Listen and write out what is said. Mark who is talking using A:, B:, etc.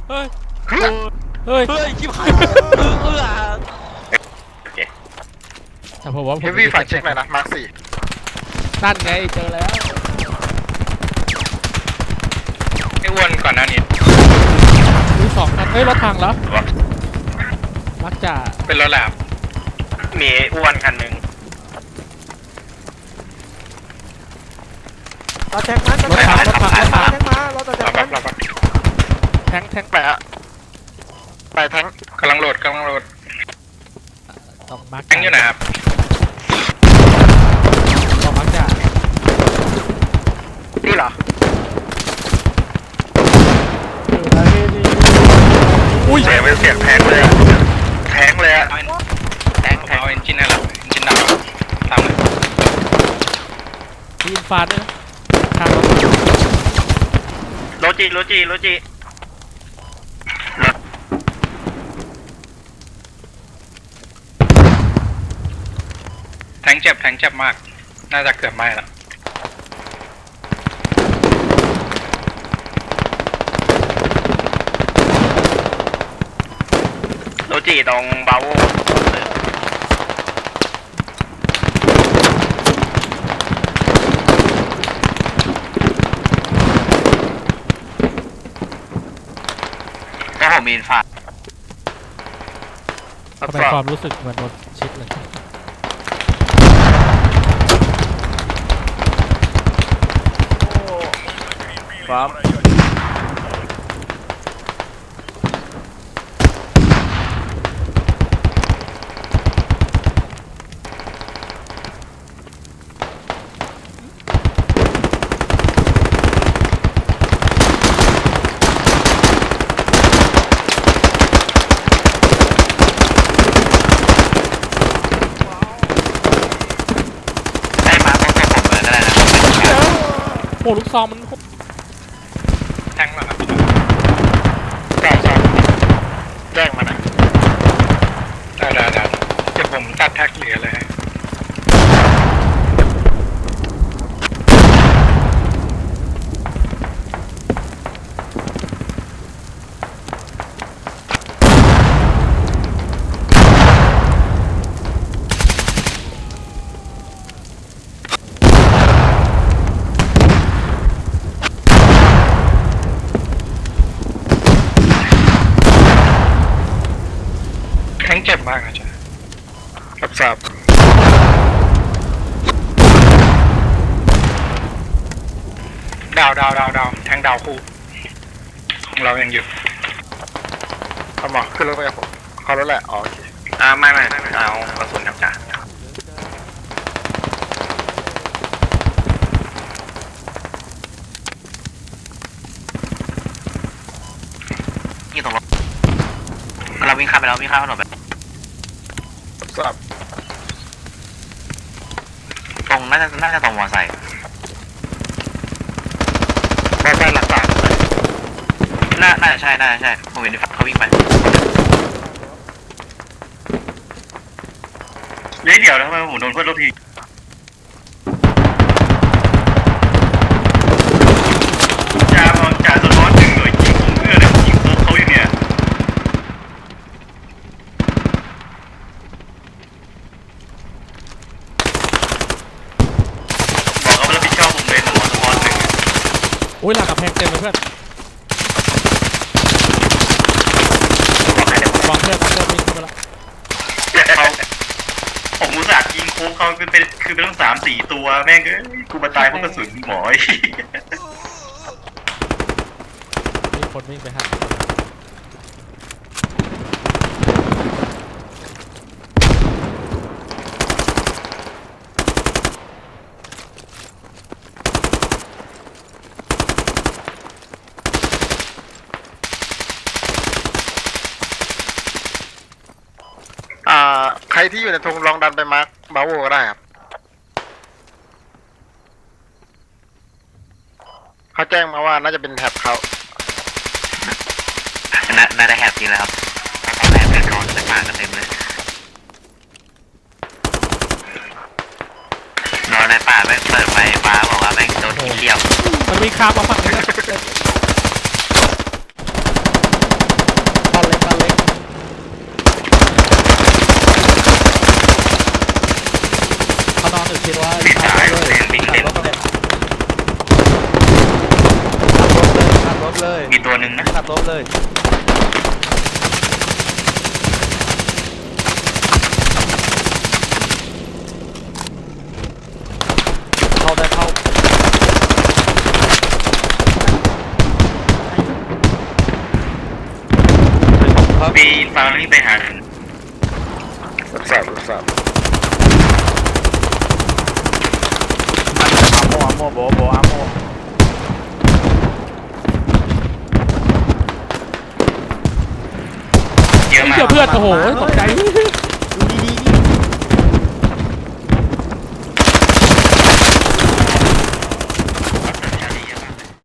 A: เฮ้ยเฮ้ยเฮ้ยชิบหายแต่ผมว่าผม
B: เฮฟวี่ฝากเช็คหน่อยนะมาร์คสี่
A: นั่นไงเจอแล้ว
C: ไอ้อ้วนก่อนหน้านี้
A: ดูสองคันเฮ้ยรถถังแล้วมักจะ
C: เป็นรถแลบมีอ้วนคันหนึ่ง
D: รถแทงมันรถแทงมารถต่อจากมัน
A: แทง
B: ไปอะไปแทง
C: กำลังโหลด
A: ต้องมัก
C: แทงอยู่ไหนครับ
A: ต้องมักจะ
B: นี่เหรอ
A: อุ้ย
B: เสียงเป็นเสียงแทงเลยแทงเลยอะ
C: แทงเอาเอนจินให้เราเอนจินดาวตามเลย
A: มีอินฟาด้วยนะทาง
B: โรจิ
C: แทงเจ็บมากน่าจะเกือบไหม้แล้ว
B: โรจิตรงบาโวก็ผมมีอินฟา
A: ทำไมความรู้สึกเหมือนโดนชิดเลย
B: ครับ
A: โอ้ลูกซองมัน
C: แทงมาครับ
B: ใช่แจ้งมาหน่อย
C: ได้เดี๋ยวผมตัดแท็กเหลือเลยแทงเจ็บมากนะจ๊ะ
B: รับทราบ
C: ดาวแทงดาวคู่ของเรายังอยู่
B: เอาหมอขึ้นรถไปกับผมเขารถแหละโอเค
C: ไม่เอากระสุนครับจ้ะ
E: นี่ตรงรถเราวิ่งข้ามไปแล้ววิ่งข้ามถนนไป
B: รับทราบ
E: ตรงน่าจะตรงมอไซค์
B: หลักฐาน
E: น่าจะใช่ผมเห็นเขาวิ่งไปเดี๋ยวทำไมผมโดนเพื่อนรถทีจ่าสะท้อนหนึ่งหน่วยยิงเพื่อนยิงตัวเขาอยู่เนี่ยบอกเขาไม่รับผิดชอบผมเลยหนูสะท้อนหนึ่ง
A: โอ้ยหลังกับแพงเต็มเลยเพื่อนวางเพื่อนวิ่งเข้ามาแล้ว
E: ผมอุตส่าห์ยิงโค้งเขาคือเป็นต้อง3-4ตัวแม่งกูมาตายเพราะกระสุนหมอ
A: มีคนวิ่งไปหา
B: ใครที่อยู่ในธงลองดันไปมาร์คบาโวก็ได้ครับเขาแจ้งมาว่าน่าจะเป็นแท็บเขา
E: น่าได้แฮปปี้แล้วครับแฮปปี้ร้อนจะมากันเต็มเลยนอนในป่าแม่งเปิดไฟฟ้าบอกว่าแม่งโดนที่เลี้ยว
A: มันมีคาร์มาฝั่งนี้
E: หนึ่งนะ
D: ขับรถเลยเข้าได้เข้า
E: ปีฟังแล้วนี่ไปหาถึง
B: รับทราบรับทราบ
D: อาโมโบอาโม
E: เยอะมาก
A: เจอเพื่อนโอ้โหตกใจ